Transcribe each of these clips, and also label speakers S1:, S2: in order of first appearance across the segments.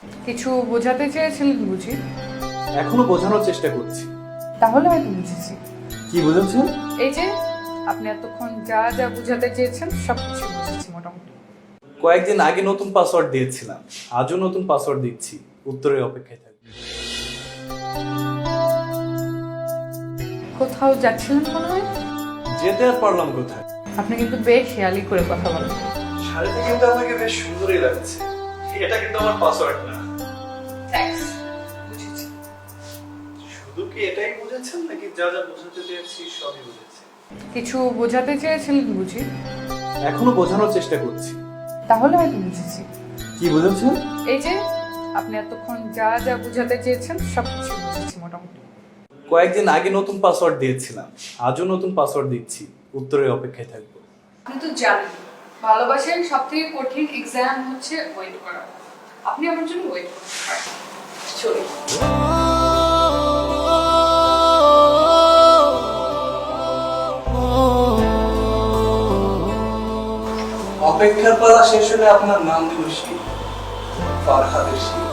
S1: কিছু বোঝাতে চেয়েছিলেন বুঝি?
S2: এখনো বোঝানোর চেষ্টা করছি।
S1: তাহলে হয়তো বুঝেছি।
S2: কি বুঝেছেন?
S1: এই যে আপনি এতক্ষণ যা যা বোঝাতে চেয়েছেন সবকিছু বুঝেছি মোটামুটি।
S2: কয়েকদিন আগে নতুন পাসওয়ার্ড দিয়েছিলাম, আজও নতুন পাসওয়ার্ড দিচ্ছি। উত্তরের অপেক্ষায় থাকবে।
S1: কোথাও যাচ্ছিলেন মনে হয়?
S2: যেতে আর পারলাম কোথায়?
S1: আপনি কিন্তু বেশ খেয়ালি করে কথা বলেন।
S2: শাড়িতে কিন্তু আমাকে বেশ সুন্দরই লাগছে। এটা কিন্তু আমার পাসওয়ার্ড না।
S1: থ্যাঙ্কস, বুঝেছি।
S2: শুধু কি এটাই বুঝেছেন নাকি যা যা বোঝাতে চেয়েছি সবই বুঝেছেন?
S1: কিছু বোঝাতে চেয়েছিলেন বুঝি?
S2: এখনো বোঝানোর চেষ্টা করছি।
S1: তাহলে হয়তো বুঝেছি।
S2: কি বুঝেছেন?
S1: এই যে আপনি এতক্ষণ যা যা বোঝাতে চেয়েছেন সবকিছু বুঝেছি মোটামুটি।
S2: কয়েকদিন আগে নতুন পাসওয়ার্ড দিয়েছিলাম, আজও নতুন পাসওয়ার্ড দিচ্ছি। উত্তরের অপেক্ষায় থাকবো।
S1: আপনি তো জানেন ভালোবাসার সব থেকে কঠিন এক্সাম হচ্ছে ওয়েট করা। আপনি আমার জন্য ওয়েট করতে পারেন। চলুন।
S2: অপেক্ষার পালা শেষ হলে আপনার নাম দিব শীত, ফারহাদের শীত।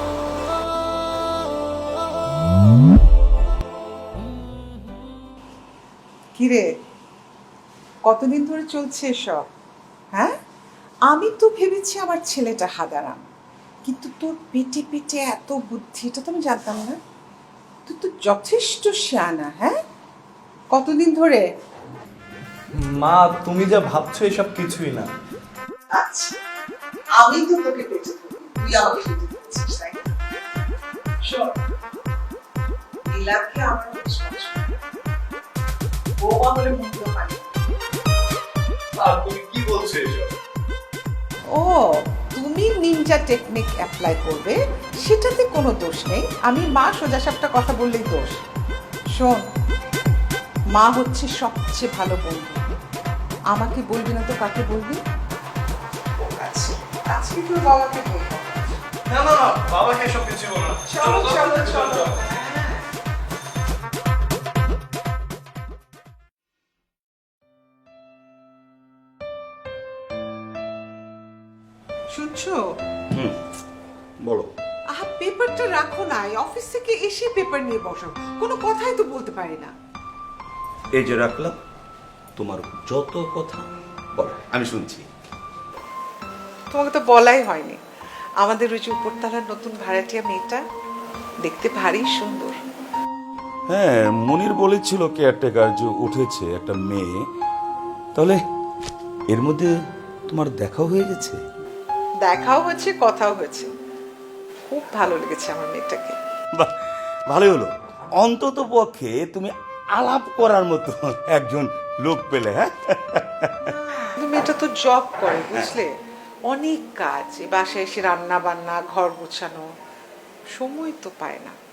S3: কিরে, কতদিন ধরে চলছে এসব? হ্যাঁ, আমি তো ভেবেছি আমার ছেলেটা হাদারাম, কিন্তু তোর পেটে পেটে এত বুদ্ধি, এটা তো আমি জানতাম না। তুই তো যথেষ্ট শিয়ানা। হ্যাঁ, কতদিন ধরে?
S2: মা, তুমি যা ভাবছো এসব কিছুই না।
S3: আচ্ছা, আমি তো তোকে পেটে ধরি, তুই আমাকে পেটে ধরেছিস, তাই না? শোন, নীলাকে আমার বেশ পছন্দ। বৌমা বলে মন্দ হয় না।
S2: আর তুমি কি বলছো এসব?
S3: ও, তুমি নিনজা টেকনিক অ্যাপ্লাই করবে, সেটাতে কোনো দোষ নেই। আমি মা সোজাসাপটা কথা বললেই দোষ। শোন, মা হচ্ছে সবচেয়ে ভালো বন্ধু। আমাকে বলবি না তো কাকে বলবি? আচ্ছা, আজকে তোর বাবাকে বলবো।
S2: না না না, বাবাকে এসব কিছু বলো না।
S3: চলো চলো চলো। শুনছো?
S4: বলো।
S3: আহা, পেপারটা রাখো না, এই অফিস থেকে এসে পেপার নিয়ে বসো। কোনো কথাই তো বলতে পারি না।
S4: এই যে রাখলাম, তোমার যত কথা বলো, আমি শুনছি।
S3: তোমাকে তো বলাই হয়নি, আমাদের ওই যে উপরতলার নতুন ভাড়াটিয়া মেয়েটা দেখতে ভারী সুন্দর।
S4: হ্যাঁ, মনির বলেছিল কেয়ারটেকার যে উঠেছে একটা মেয়ে। তাহলে এর মধ্যে তোমার দেখাও হয়ে গেছে?
S3: দেখাও হয়েছে, কথাও হয়েছে। খুব ভালো লেগেছে আমার মেয়েটাকে।
S4: বাহ, ভালোই হলো। অন্তত পক্ষে তুমি আলাপ করার মতো একজন লোক পেলে। হ্যাঁ,
S3: কিন্তু মেয়েটা তো জব করে, বুঝলে, অনেক কাজ, এই বাসায় এসে রান্না বান্না, ঘর গোছানো, সময় তো পায় না।